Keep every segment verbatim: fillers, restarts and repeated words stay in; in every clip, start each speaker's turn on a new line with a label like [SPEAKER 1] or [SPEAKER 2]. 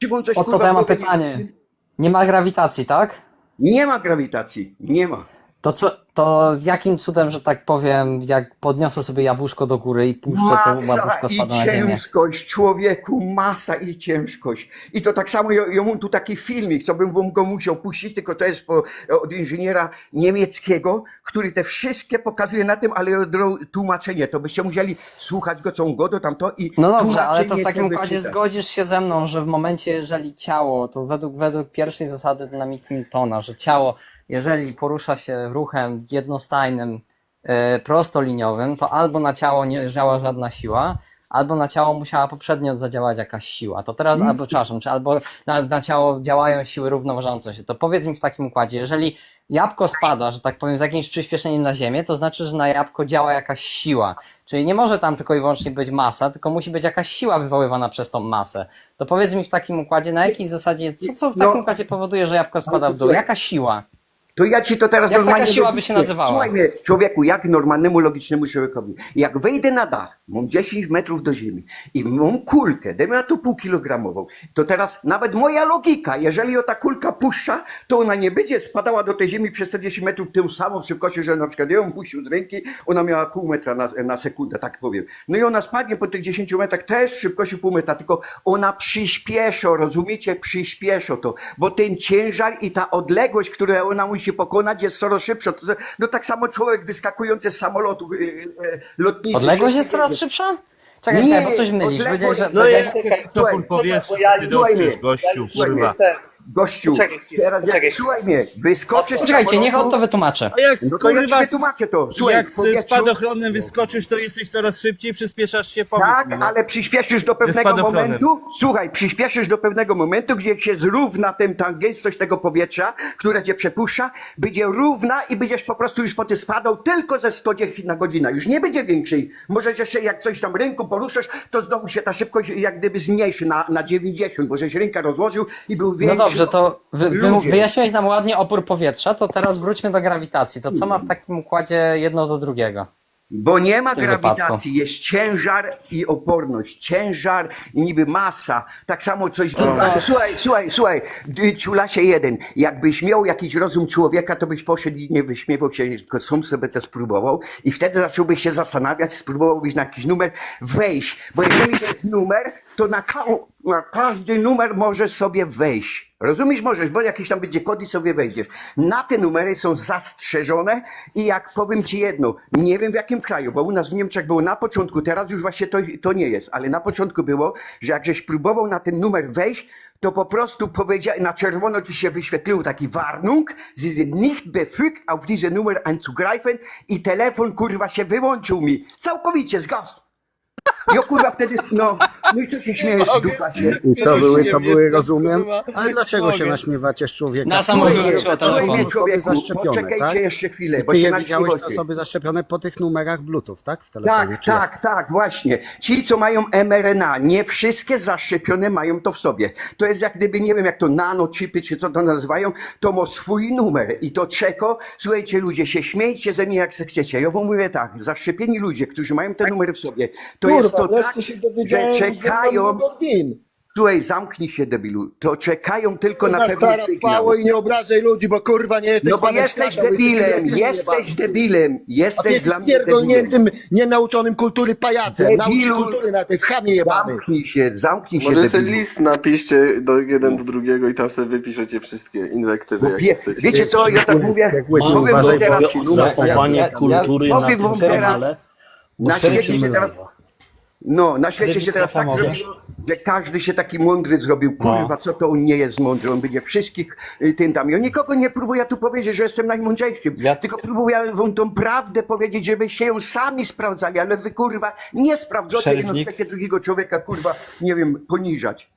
[SPEAKER 1] Szymon coś,
[SPEAKER 2] O to
[SPEAKER 1] kurwa,
[SPEAKER 2] ja mam
[SPEAKER 1] powie-
[SPEAKER 2] pytanie. Nie ma grawitacji, tak?
[SPEAKER 1] Nie ma grawitacji, nie ma.
[SPEAKER 2] To co, to jakim cudem, że tak powiem, jak podniosę sobie jabłuszko do góry i puszczę, to
[SPEAKER 1] Masa
[SPEAKER 2] jabłuszko
[SPEAKER 1] i
[SPEAKER 2] spada na ziemię?
[SPEAKER 1] ciężkość, człowieku, masa i ciężkość. I to tak samo, ja, ja mam tu taki filmik, co bym wam go musiał puścić, tylko to jest po, od inżyniera niemieckiego, który te wszystkie pokazuje na tym, ale od razu tłumaczenie, to byście musieli słuchać go, co on godo tamto i
[SPEAKER 2] No dobrze, ale to w
[SPEAKER 1] tłumaczenie
[SPEAKER 2] takim
[SPEAKER 1] sobie
[SPEAKER 2] układzie
[SPEAKER 1] wyczytać.
[SPEAKER 2] zgodzisz się ze mną, że w momencie, jeżeli ciało, to według, według pierwszej zasady dynamiki Newtona, że ciało, jeżeli porusza się ruchem jednostajnym, e, prostoliniowym, to albo na ciało nie działa żadna siła, albo na ciało musiała poprzednio zadziałać jakaś siła. To teraz,
[SPEAKER 1] Mm.
[SPEAKER 2] albo przepraszam, czy albo na, na ciało działają siły równoważące się. To powiedz mi w takim układzie, jeżeli jabłko spada, że tak powiem, z jakimś przyspieszeniem na ziemię, to znaczy, że na jabłko działa jakaś siła. Czyli nie może tam tylko i wyłącznie być masa, tylko musi być jakaś siła wywoływana przez tą masę. To powiedz mi w takim układzie, na jakiej zasadzie, co, co w
[SPEAKER 1] No.
[SPEAKER 2] takim układzie powoduje, że jabłko spada w dół? Jaka siła?
[SPEAKER 1] To ja ci to teraz
[SPEAKER 2] Jak taka
[SPEAKER 1] normalnie
[SPEAKER 2] siła by
[SPEAKER 1] logicznie-
[SPEAKER 2] się nazywała?
[SPEAKER 1] Słuchaj mnie, człowieku, jak normalnemu, logicznemu człowiekowi. Jak wejdę na dach, mam dziesięć metrów do ziemi i mam kulkę, dajmy na to pół kilogramową, to teraz nawet moja logika, jeżeli o ta kulka puszcza, to ona nie będzie spadała do tej ziemi przez te dziesięć metrów tą samą szybkością, że na przykład ja ją puścił z ręki, ona miała pół metra na, na sekundę, tak powiem. No i ona spadnie po tych dziesięciu metrach też z szybkością pół metra, tylko ona przyspieszy, rozumiecie, przyspieszy to, bo ten ciężar i ta odległość, którą ona musi pokonać, jest coraz szybsza. To, no tak samo człowiek wyskakujący z samolotu yy, yy, lotniczy.
[SPEAKER 2] Odległość jest coraz szybsza? Czekaj,
[SPEAKER 1] Nie,
[SPEAKER 2] czekaj, bo coś mylisz.
[SPEAKER 1] odległość-
[SPEAKER 2] Powiedziałeś, że...
[SPEAKER 1] No
[SPEAKER 2] powiedziałeś-
[SPEAKER 1] jak-
[SPEAKER 3] Jak
[SPEAKER 1] Słuchaj,
[SPEAKER 3] topór powierzchni,
[SPEAKER 4] bo ja-
[SPEAKER 3] ty
[SPEAKER 1] słuchaj
[SPEAKER 3] dotrzesz,
[SPEAKER 1] mnie,
[SPEAKER 3] gościu, kurwa.
[SPEAKER 1] Gościu,
[SPEAKER 4] Poczekaj chwilę,
[SPEAKER 1] teraz jak,
[SPEAKER 4] poczekaj
[SPEAKER 1] słuchaj mnie, wyskoczysz z
[SPEAKER 2] Poczekajcie, niech on
[SPEAKER 1] samolotu-
[SPEAKER 2] to wytłumaczy.
[SPEAKER 3] A jak
[SPEAKER 1] No to ja
[SPEAKER 3] kurwa,
[SPEAKER 1] ci wytłumaczę to. Słuchaj,
[SPEAKER 3] jak
[SPEAKER 1] w
[SPEAKER 3] z
[SPEAKER 1] powietrzu-
[SPEAKER 3] spadochronem wyskoczysz, to jesteś coraz szybciej, przyspieszasz się, powiedz
[SPEAKER 1] Tak,
[SPEAKER 3] mi. No.
[SPEAKER 1] ale przyspieszysz do pewnego
[SPEAKER 3] spadochronem.
[SPEAKER 1] momentu. Słuchaj, przyspieszysz do pewnego momentu, gdzie się zrówna ten, ta gęstość tego powietrza, które cię przepuszcza, będzie równa i będziesz po prostu już po tym spadał tylko ze sto dziesięć na godzinę. Już nie będzie większej. Możesz jeszcze jak coś tam ręką poruszasz, to znowu się ta szybkość jak gdyby zmniejszy na, na dziewięćdziesiąt, bo żeś rękę rozłożył i był
[SPEAKER 2] No
[SPEAKER 1] większy.
[SPEAKER 2] dobrze, to wy, wy,
[SPEAKER 1] Ludzie.
[SPEAKER 2] wyjaśniłeś nam ładnie opór powietrza, to teraz wróćmy do grawitacji. To co ma w takim układzie jedno do drugiego?
[SPEAKER 1] Bo nie ma
[SPEAKER 2] w tym
[SPEAKER 1] grawitacji,
[SPEAKER 2] wypadku.
[SPEAKER 1] jest ciężar i oporność. Ciężar i niby masa. Tak samo coś... Słuchaj, słuchaj, słuchaj, ty, ciulasie jeden, jakbyś miał jakiś rozum człowieka, to byś poszedł i nie wyśmiewał się, tylko sam sobie to spróbował i wtedy zacząłbyś się zastanawiać, spróbowałbyś na jakiś numer wejść. Bo jeżeli to jest numer, to na, ka na każdy numer możesz sobie wejść. Rozumiesz? Możesz, bo jakiś tam będzie kod i sobie wejdziesz. Na te numery są zastrzeżone i jak powiem ci jedno, nie wiem w jakim kraju, bo u nas w Niemczech było na początku, teraz już właśnie to, to nie jest, ale na początku było, że jak żeś próbował na ten numer wejść, to po prostu powiedział, na czerwono ci się wyświetlił taki Warnung, Sie sind nicht befugt auf diese Nummer einzugreifen i telefon kurwa się wyłączył mi. Całkowicie, zgasł. Jo kurwa wtedy, no, no i co się śmiejesz, dupa się.
[SPEAKER 5] I to były, to
[SPEAKER 3] Mnie
[SPEAKER 5] były,
[SPEAKER 3] stać,
[SPEAKER 5] rozumiem.
[SPEAKER 3] kurwa.
[SPEAKER 5] Ale dlaczego się
[SPEAKER 3] Mogę.
[SPEAKER 5] naśmiewacie z człowieka?
[SPEAKER 2] Na samo
[SPEAKER 5] Słuchaj,
[SPEAKER 2] wyłączyło
[SPEAKER 5] to są
[SPEAKER 2] telefon.
[SPEAKER 1] Słuchaj,
[SPEAKER 5] osoby
[SPEAKER 1] człowieku,
[SPEAKER 5] zaszczepione,
[SPEAKER 1] poczekajcie
[SPEAKER 5] tak?
[SPEAKER 1] jeszcze chwilę,
[SPEAKER 5] I
[SPEAKER 1] bo
[SPEAKER 5] ty
[SPEAKER 1] się
[SPEAKER 5] je widziałeś te
[SPEAKER 1] naśmiewacie.
[SPEAKER 5] osoby zaszczepione po tych numerach Bluetooth, tak? W telefonie.
[SPEAKER 1] Tak,
[SPEAKER 5] czy jak?
[SPEAKER 1] tak, tak, właśnie. Ci, co mają M R N A, nie wszystkie zaszczepione mają to w sobie. To jest jak gdyby, nie wiem jak to nanochipy, czy co to nazywają, to ma swój numer. I to czeko, słuchajcie ludzie, się śmiejcie ze mnie jak se chcecie. Ja wam mówię tak, zaszczepieni ludzie, którzy mają te numery w sobie, to
[SPEAKER 6] Kurwa,
[SPEAKER 1] jest to
[SPEAKER 6] wreszcie
[SPEAKER 1] tak,
[SPEAKER 6] się
[SPEAKER 1] że
[SPEAKER 6] dowiedziałem, że
[SPEAKER 1] czekają,
[SPEAKER 6] mam numer win.
[SPEAKER 1] słuchaj, zamknij się debilu, to czekają tylko na
[SPEAKER 6] Na
[SPEAKER 1] pewien
[SPEAKER 6] stara
[SPEAKER 1] sygnał.
[SPEAKER 6] pało i nie obrażaj ludzi, bo kurwa nie jesteś
[SPEAKER 1] No bo
[SPEAKER 6] panem
[SPEAKER 1] jesteś
[SPEAKER 6] świata,
[SPEAKER 1] debilem,
[SPEAKER 6] jesteś
[SPEAKER 1] jesteś debilem,
[SPEAKER 6] A ty
[SPEAKER 1] jesteś
[SPEAKER 6] jesteś
[SPEAKER 1] dla mnie debilem.
[SPEAKER 6] pierdolniętym, nienauczonym kultury pajacem. Naucz się
[SPEAKER 1] Debilu.
[SPEAKER 6] kultury na tej w chamie jebany.
[SPEAKER 1] Zamknij się, zamknij się,
[SPEAKER 7] Może sobie
[SPEAKER 1] debilu.
[SPEAKER 7] list napiszcie do jeden do drugiego i tam sobie wypiszecie wszystkie inwektywy,
[SPEAKER 1] Wie,
[SPEAKER 7] jak chcecie.
[SPEAKER 1] wiecie co, ja tak mówię,
[SPEAKER 5] Jak łyk,
[SPEAKER 1] powiem wam
[SPEAKER 5] uważaj,
[SPEAKER 1] teraz,
[SPEAKER 5] bo-
[SPEAKER 8] Zachowanie
[SPEAKER 2] ja-
[SPEAKER 8] kultury
[SPEAKER 1] ja-
[SPEAKER 8] na
[SPEAKER 1] powiem
[SPEAKER 8] tym
[SPEAKER 1] wam teraz-
[SPEAKER 8] kanale.
[SPEAKER 1] na
[SPEAKER 8] Ustępczy
[SPEAKER 1] świecie się teraz,
[SPEAKER 8] myląco.
[SPEAKER 1] no, na świecie się teraz tak
[SPEAKER 8] Mikrofon
[SPEAKER 1] zrobiło, że każdy się taki mądry zrobił, kurwa, co to on nie jest mądry, on będzie wszystkich y, tym tam. Ja nikogo nie próbuję tu powiedzieć, że jestem najmądrzejszym, tylko próbuję wam tą prawdę powiedzieć, żebyście ją sami sprawdzali, ale wy, kurwa, nie sprawdzacie, jedno
[SPEAKER 8] Przerwnik.
[SPEAKER 1] chcecie drugiego człowieka, kurwa, nie wiem, poniżać.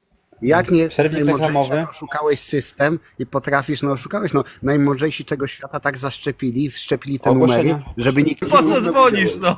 [SPEAKER 5] Jak nie jesteś
[SPEAKER 8] Przerwnik
[SPEAKER 5] najmądrzejszy,
[SPEAKER 8] reklamowy.
[SPEAKER 5] jak oszukałeś system i potrafisz, no oszukałeś, no najmądrzejsi tego świata tak zaszczepili, wszczepili te
[SPEAKER 8] Ogłoszenia.
[SPEAKER 5] numery, żeby nikt...
[SPEAKER 3] Po co dzwonisz, no?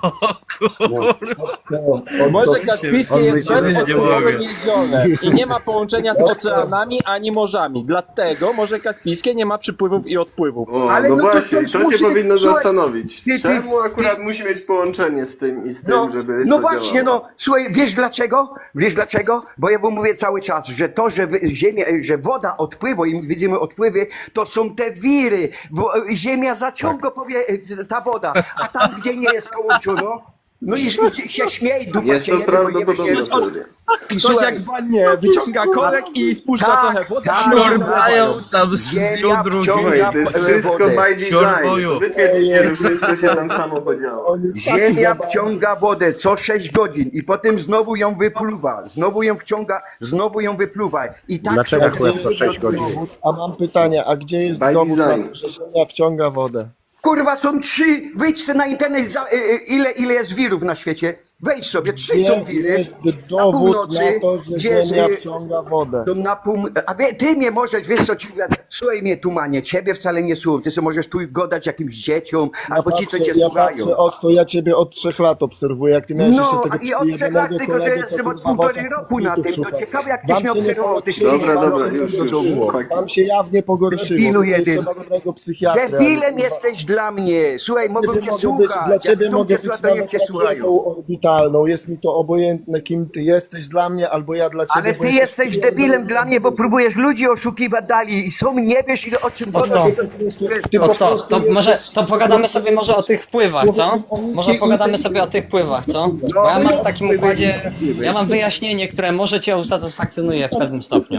[SPEAKER 9] Morze Kaspijskie
[SPEAKER 5] on
[SPEAKER 9] jest
[SPEAKER 5] myśli, że nie
[SPEAKER 9] bezodpływowe
[SPEAKER 3] mogę.
[SPEAKER 9] niezione i nie ma połączenia z oceanami ani morzami. Dlatego Morze Kaspijskie nie ma przypływów i odpływów.
[SPEAKER 7] O,
[SPEAKER 1] Ale
[SPEAKER 7] no
[SPEAKER 1] no to
[SPEAKER 7] właśnie,
[SPEAKER 1] coś
[SPEAKER 7] to, cię
[SPEAKER 1] musi-
[SPEAKER 7] powinno
[SPEAKER 1] słuchaj,
[SPEAKER 7] zastanowić.
[SPEAKER 1] ty- ty-
[SPEAKER 7] Czemu akurat
[SPEAKER 1] ty-
[SPEAKER 7] musi mieć połączenie z tym i z tym,
[SPEAKER 1] No,
[SPEAKER 7] żeby
[SPEAKER 1] no
[SPEAKER 7] to
[SPEAKER 1] właśnie,
[SPEAKER 7] działało?
[SPEAKER 1] no, słuchaj, wiesz dlaczego? Wiesz dlaczego? Bo ja wam mówię cały czas, że to, że wy- ziemia, że woda odpływa i widzimy odpływy, to są te wiry. Wo, ziemia zaciąga powie, ta woda, a tam, gdzie nie jest połączono, no i, i się śmiej, dupa
[SPEAKER 7] Jest
[SPEAKER 1] cię
[SPEAKER 7] to
[SPEAKER 1] jebie, bo nie wiesz,
[SPEAKER 7] prawdopodobne
[SPEAKER 1] nie
[SPEAKER 7] wtedy.
[SPEAKER 1] I
[SPEAKER 9] Ktoś
[SPEAKER 1] słuchaj,
[SPEAKER 9] jak w wannie wyciąga korek i spuszcza
[SPEAKER 1] tak,
[SPEAKER 9] trochę wody.
[SPEAKER 1] tak.
[SPEAKER 9] a
[SPEAKER 3] Szorbają tam z
[SPEAKER 1] ziemia
[SPEAKER 3] jądru
[SPEAKER 1] wciąga
[SPEAKER 7] Słuchaj, to jest
[SPEAKER 1] e,
[SPEAKER 7] wszystko
[SPEAKER 1] wodę.
[SPEAKER 7] by design.
[SPEAKER 3] Siorboju.
[SPEAKER 7] Wytwierdźcie, że wszystko się tam samo podziało.
[SPEAKER 6] On jest taki
[SPEAKER 1] Ziemia
[SPEAKER 6] zabawny.
[SPEAKER 1] wciąga wodę co sześć godzin i potem znowu ją wypluwa, znowu ją wciąga, znowu ją wypluwa. I tak
[SPEAKER 5] Dlaczego
[SPEAKER 1] są-
[SPEAKER 5] chleb co sześć godzin?
[SPEAKER 6] A mam pytanie, a gdzie jest
[SPEAKER 7] By
[SPEAKER 6] dowód na
[SPEAKER 7] design.
[SPEAKER 6] to, że Ziemia wciąga wodę?
[SPEAKER 1] Kurwa, są trzy, wyjdź sobie na internet, za, y, y, ile, ile jest wirów na świecie. Wejdź sobie, trzy
[SPEAKER 6] Gdzie
[SPEAKER 1] są wiry.
[SPEAKER 6] jest
[SPEAKER 1] Na
[SPEAKER 6] dowód
[SPEAKER 1] północy,
[SPEAKER 6] na to, że
[SPEAKER 1] gdzie
[SPEAKER 6] Ziemia
[SPEAKER 1] z-
[SPEAKER 6] wciąga wodę?
[SPEAKER 1] To na pół... A wie, ty mnie możesz, wiesz co ci mówię, słuchaj mnie tumanie, ciebie wcale nie słucham, ty sobie możesz tu gadać jakimś dzieciom,
[SPEAKER 6] Ja
[SPEAKER 1] albo ci, co cię
[SPEAKER 6] ja
[SPEAKER 1] słuchają.
[SPEAKER 6] patrzę od to, ja ciebie od trzech lat obserwuję, jak ty miałeś jeszcze
[SPEAKER 1] No,
[SPEAKER 6] tego
[SPEAKER 1] i od trzech lat,
[SPEAKER 6] przyjebanego
[SPEAKER 1] tylko że
[SPEAKER 6] kolegę, co
[SPEAKER 1] jestem od
[SPEAKER 6] kurwa w
[SPEAKER 1] półtorej
[SPEAKER 6] oczach
[SPEAKER 1] roku na tym,
[SPEAKER 6] kosmitów
[SPEAKER 1] to
[SPEAKER 6] szuka.
[SPEAKER 1] ciekawe jak
[SPEAKER 6] Wam
[SPEAKER 1] tyś mnie
[SPEAKER 6] się nie
[SPEAKER 1] obserwował, tyś
[SPEAKER 6] podoba.
[SPEAKER 1] się
[SPEAKER 7] Dobra, dobra, już, już,
[SPEAKER 1] było.
[SPEAKER 7] chłopaki.
[SPEAKER 6] Tam się jawnie pogorszyło.
[SPEAKER 1] Debilu
[SPEAKER 6] Tutaj
[SPEAKER 1] jeden.
[SPEAKER 6] trzeba dobrego psychiatra.
[SPEAKER 1] Debilem jesteś dla mnie, słuchaj, mogę
[SPEAKER 6] Ciebie
[SPEAKER 1] cię
[SPEAKER 6] mogę być,
[SPEAKER 1] słuchać,
[SPEAKER 6] dla ciebie
[SPEAKER 1] jak
[SPEAKER 6] mogę
[SPEAKER 1] ludzie
[SPEAKER 6] być
[SPEAKER 1] słuchają,
[SPEAKER 6] nawet
[SPEAKER 1] cię słuchają.
[SPEAKER 6] rakietą orbitalną. Jest mi to obojętne, kim ty jesteś dla mnie, albo ja dla ciebie.
[SPEAKER 1] Ale
[SPEAKER 6] bo
[SPEAKER 1] ty jesteś
[SPEAKER 6] pierdolony.
[SPEAKER 1] debilem dla mnie, bo próbujesz ludzi oszukiwać dali i są, nie wiesz ile o czym
[SPEAKER 2] O
[SPEAKER 1] gadasz.
[SPEAKER 2] co?
[SPEAKER 6] Ty
[SPEAKER 2] No
[SPEAKER 6] po
[SPEAKER 2] to,
[SPEAKER 6] prostu
[SPEAKER 2] to
[SPEAKER 6] jesteś-
[SPEAKER 2] może to pogadamy sobie może o tych wpływach, co? Może pogadamy sobie o tych wpływach, co? Bo ja mam w takim układzie, ja mam wyjaśnienie, które może cię usatysfakcjonuje w pewnym stopniu.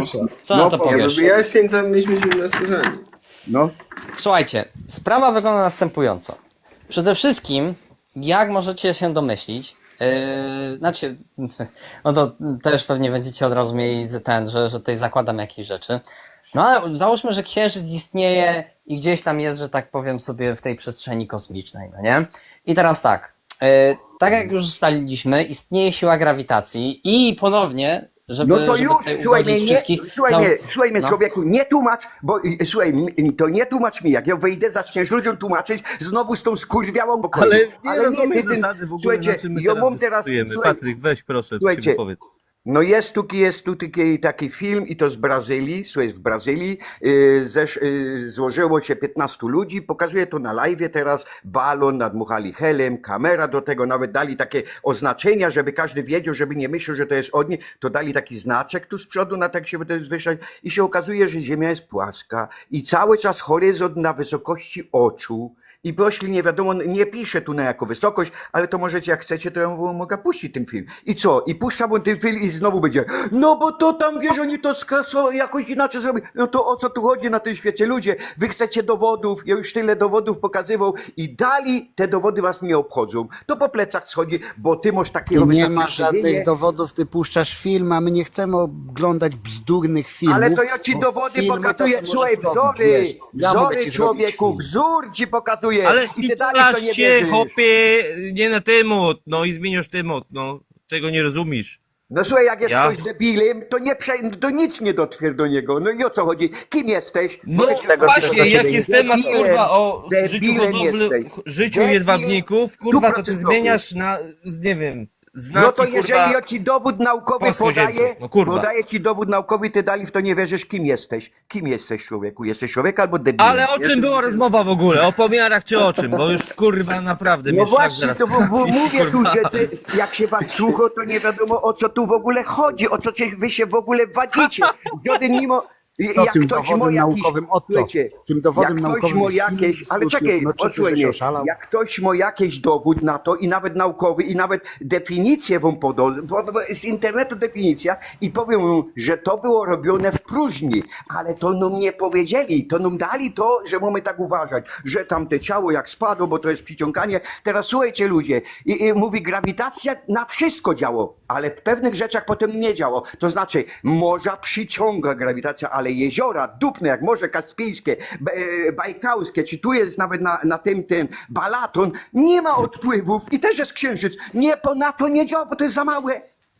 [SPEAKER 2] Co na to
[SPEAKER 7] Ja do
[SPEAKER 2] powiesz?
[SPEAKER 7] wyjaśnień tam mieliśmy się nasłuchani.
[SPEAKER 1] No.
[SPEAKER 2] Słuchajcie, sprawa wygląda następująco. Przede wszystkim, jak możecie się domyślić, yy, znaczy, no to też pewnie będziecie od razu mieli z- ten, że, że tutaj zakładam jakieś rzeczy. No ale załóżmy, że Księżyc istnieje i gdzieś tam jest, że tak powiem sobie, w tej przestrzeni kosmicznej, no nie? I teraz tak, yy, tak jak już ustaliliśmy, istnieje siła grawitacji i ponownie, żeby,
[SPEAKER 1] No to
[SPEAKER 2] żeby
[SPEAKER 1] już,
[SPEAKER 2] tutaj
[SPEAKER 1] słuchaj
[SPEAKER 2] ugodzić
[SPEAKER 1] mnie, nie,
[SPEAKER 2] wszystkich...
[SPEAKER 1] słuchaj
[SPEAKER 2] zał-
[SPEAKER 1] mnie, słuchaj mnie
[SPEAKER 2] no.
[SPEAKER 1] człowieku, nie tłumacz, bo y, słuchaj, m- to nie tłumacz mi, jak ja wyjdę, zaczniesz ludziom tłumaczyć, znowu z tą skurwiałą pokoju.
[SPEAKER 3] Ale nie rozumiesz
[SPEAKER 1] ty tym-
[SPEAKER 3] zasady w ogóle,
[SPEAKER 1] słuchajcie,
[SPEAKER 3] na czym my
[SPEAKER 1] ja
[SPEAKER 3] teraz
[SPEAKER 1] mam teraz,
[SPEAKER 3] dyskutujemy.
[SPEAKER 1] słuchaj,
[SPEAKER 3] Patryk, weź proszę,
[SPEAKER 1] słuchajcie,
[SPEAKER 3] się wypowiedz.
[SPEAKER 1] No jest tu, jest tu taki, taki film i to z Brazylii, słuchaj, w Brazylii yy, zesz, yy, złożyło się piętnastu ludzi, pokazuje to na live teraz, balon, nadmuchali helem, kamera do tego, nawet dali takie oznaczenia, żeby każdy wiedział, żeby nie myślał, że to jest od nich, to dali taki znaczek tu z przodu, na tak się będzie zwyższać i się okazuje, że Ziemia jest płaska i cały czas horyzont na wysokości oczu. I pośli nie wiadomo, nie piszę tu na jaką wysokość, ale to możecie, jak chcecie, to ja wam mogę puścić ten film. I co? I puszczam wam ten film i znowu będzie, no bo to tam, wiesz, oni to skaso, jakoś inaczej zrobi. No to o co tu chodzi na tym świecie? Ludzie, wy chcecie dowodów, ja już tyle dowodów pokazywał i dali, te dowody was nie obchodzą. To po plecach schodzi, bo ty masz
[SPEAKER 5] I
[SPEAKER 1] takiego
[SPEAKER 5] nie
[SPEAKER 1] wysokiego
[SPEAKER 5] ma żadnych
[SPEAKER 1] stawienia.
[SPEAKER 5] dowodów, ty puszczasz film, a my nie chcemy oglądać bzdurnych filmów.
[SPEAKER 1] Ale to ja ci
[SPEAKER 5] bo
[SPEAKER 1] dowody
[SPEAKER 5] filmy to
[SPEAKER 1] pokazuję,
[SPEAKER 5] sobie
[SPEAKER 1] słuchaj,
[SPEAKER 5] możesz robić,
[SPEAKER 1] wzory,
[SPEAKER 5] wiesz. Ja mogę
[SPEAKER 1] wzory
[SPEAKER 5] ci zrobić
[SPEAKER 1] człowieku,
[SPEAKER 5] film.
[SPEAKER 1] wzór ci pokazuję.
[SPEAKER 3] Ale
[SPEAKER 1] I ty dalej w
[SPEAKER 3] pitolasz
[SPEAKER 1] to nie
[SPEAKER 3] się,
[SPEAKER 1] wierzysz.
[SPEAKER 3] hopie, nie na temat, no i zmieniasz temat, no. Czego nie rozumiesz?
[SPEAKER 1] No słuchaj, jak jest
[SPEAKER 3] Ja?
[SPEAKER 1] ktoś debilem, to nie prze, to nic nie dotrwier do niego. No i o co chodzi? Kim jesteś?
[SPEAKER 3] No
[SPEAKER 1] Powiedz mi,
[SPEAKER 5] tego,
[SPEAKER 3] właśnie,
[SPEAKER 5] czego
[SPEAKER 3] jak
[SPEAKER 5] ciebie
[SPEAKER 3] jest
[SPEAKER 1] nie-
[SPEAKER 3] temat,
[SPEAKER 1] debilem,
[SPEAKER 3] kurwa, o życiu
[SPEAKER 1] debilem
[SPEAKER 3] hodowli,
[SPEAKER 1] jesteś.
[SPEAKER 3] życiu
[SPEAKER 1] Debil
[SPEAKER 3] jedwabników, kurwa, to ty
[SPEAKER 1] stuprocentowy.
[SPEAKER 3] zmieniasz na, z- nie wiem, z nacji,
[SPEAKER 1] No to jeżeli
[SPEAKER 3] kurwa,
[SPEAKER 1] ja ci dowód naukowy
[SPEAKER 3] polskoziemców.
[SPEAKER 1] podaję,
[SPEAKER 3] No kurwa.
[SPEAKER 1] podaję ci dowód naukowy, ty dali w to nie wierzysz, kim jesteś? Kim jesteś, człowieku? Jesteś człowiek albo debilem?
[SPEAKER 3] Ale o czym była rozmowa w ogóle? O pomiarach czy o czym? Bo już kurwa naprawdę
[SPEAKER 1] No
[SPEAKER 3] mnie szlak
[SPEAKER 1] właśnie,
[SPEAKER 3] zaraz
[SPEAKER 1] to bo, bo
[SPEAKER 3] trafi,
[SPEAKER 1] mówię tu,
[SPEAKER 3] kurwa.
[SPEAKER 1] że ty, jak się was słucha, to nie wiadomo o co tu w ogóle chodzi, o co cię, wy się w ogóle wadzicie. Żaden mimo... I-
[SPEAKER 5] Co
[SPEAKER 1] jak
[SPEAKER 5] tym
[SPEAKER 1] ktoś
[SPEAKER 5] dowodem
[SPEAKER 1] ma jakiś,
[SPEAKER 5] naukowym, o to.
[SPEAKER 1] słuchajcie,
[SPEAKER 5] Tym dowodem
[SPEAKER 1] jak ktoś
[SPEAKER 5] naukowym
[SPEAKER 1] ma
[SPEAKER 5] jest film
[SPEAKER 1] jakieś,
[SPEAKER 5] z
[SPEAKER 1] ale
[SPEAKER 5] YouTube.
[SPEAKER 1] czekaj,
[SPEAKER 5] No, czy ty
[SPEAKER 1] odsłuchaj
[SPEAKER 5] żeś
[SPEAKER 1] mnie,
[SPEAKER 5] oszalał?
[SPEAKER 1] jak ktoś ma jakiś dowód na to i nawet naukowy i nawet definicję wam podał, bo, bo z internetu definicja i powiem mu, że to było robione w próżni, ale to nam nie powiedzieli, to nam dali to, że mamy tak uważać, że tamte ciało jak spadło, bo to jest przyciąganie. Teraz słuchajcie ludzie, i, i mówi grawitacja na wszystko działo, ale w pewnych rzeczach potem nie działo. To znaczy morza przyciąga grawitacja, ale jeziora, dupne jak Morze Kaspijskie, B- e, Bajkalskie, czy tu jest nawet na, na tym, tym Balaton, nie ma odpływów i też jest księżyc. Nie, po na to nie działa, bo to jest za małe.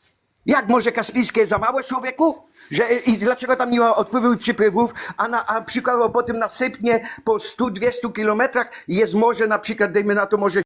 [SPEAKER 1] Jak Morze Kaspijskie jest za małe, człowieku? Że, I dlaczego tam nie ma odpływów i przypływów, a, na, a przykładowo potem nasypnie po stu dwustu kilometrach jest morze, na przykład dajmy na to morze